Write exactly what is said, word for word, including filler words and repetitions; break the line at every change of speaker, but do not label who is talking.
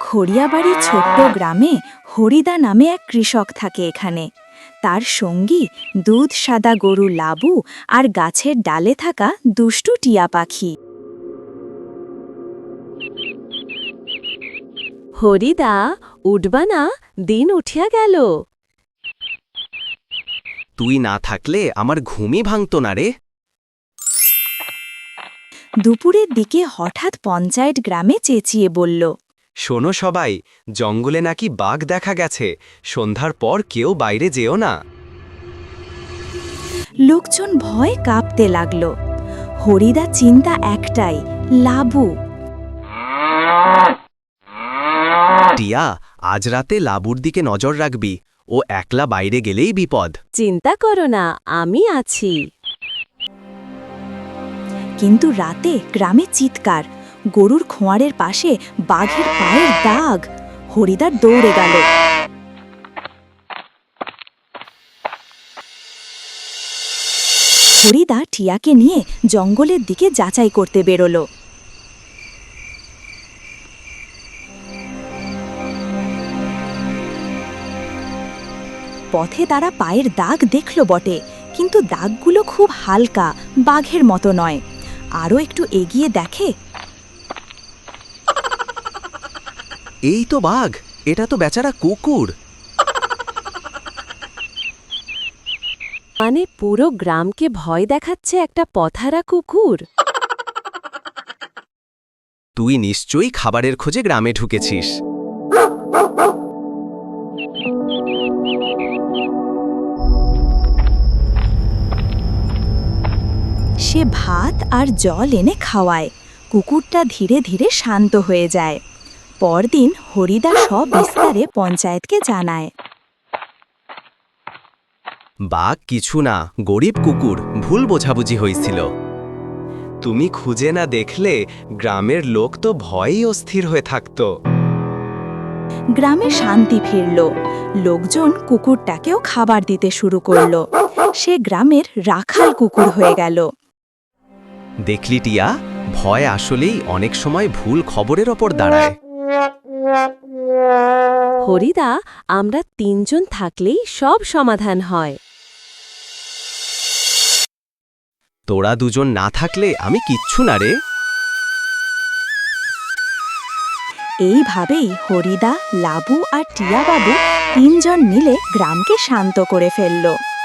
হরিয়াবাড়ি ছোট্ট গ্রামে হরিদা নামে এক কৃষক থাকে এখানে। তার সঙ্গী দুধ সাদা গরু লাবু আর গাছের ডালে থাকা দুষ্টু টিয়া পাখি।
হরিদা, উঠবা না, দিন উঠিয়া গেল।
তুই না থাকলে আমার ঘুমই ভাঙত না রে।
দুপুরের দিকে হঠাৎ পঞ্চায়েত গ্রামে চেঁচিয়ে বলল,
শোনো সবাই, জঙ্গলে নাকি বাঘ দেখা গেছে, সন্ধ্যার পর কেউ বাইরে যেও না।
লোকজন ভয় কাঁপতে লাগল। হরিদা চিন্তা একটাই, লাবু।
টিয়া, আজ রাতে লাবুর দিকে নজর রাখবি, ও একলা বাইরে গেলেই বিপদ।
চিন্তা করো না, আমি আছি।
কিন্তু রাতে গ্রামে চিৎকার, গরুর খোঁয়ারের পাশে বাঘের পায়ের দাগ। হরিদা দৌড়ে গেল। হরিদা টিয়াকে নিয়ে জঙ্গলের দিকে যাচাই করতে বেরোল। পথে তারা পায়ের দাগ দেখল বটে, কিন্তু দাগগুলো খুব হালকা, বাঘের মতো নয়। আরও একটু এগিয়ে দেখে,
এই তো বাঘ, এটা তো বেচারা কুকুর।
মানে পুরো গ্রামকে ভয় দেখাচ্ছে একটা পথহারা কুকুর।
তুই নিশ্চয়ই খাবারের খোঁজে গ্রামে ঢুকেছিস।
সে ভাত আর জল এনে খাওয়ায়। কুকুরটা ধীরে ধীরে শান্ত হয়ে যায়। পরদিন হরিদা সব বিস্তারে পঞ্চায়েতকে জানায়।
বাঘ কিছু না, গরিব কুকুর, ভুল বোঝাবুঝি হয়েছিল। তুমি খুঁজে না দেখলে গ্রামের লোক তো ভয়েই অস্থির হয়ে থাকত।
গ্রামে শান্তি ফিরল। লোকজন কুকুরটাকেও খাবার দিতে শুরু করল। সে গ্রামের রাখাল কুকুর হয়ে গেল।
দেখলি টিয়া, ভয় আসলেই অনেক সময় ভুল খবরের ওপর দাঁড়ায়।
হরিদা, আমরা তিনজন থাকলেই সব সমাধান হয়।
তোরা দুজন না থাকলে আমি কিচ্ছু না রে।
এইভাবেই হরিদা, লাবু আর টিয়া বাবু তিনজন মিলে গ্রামকে শান্ত করে ফেলল।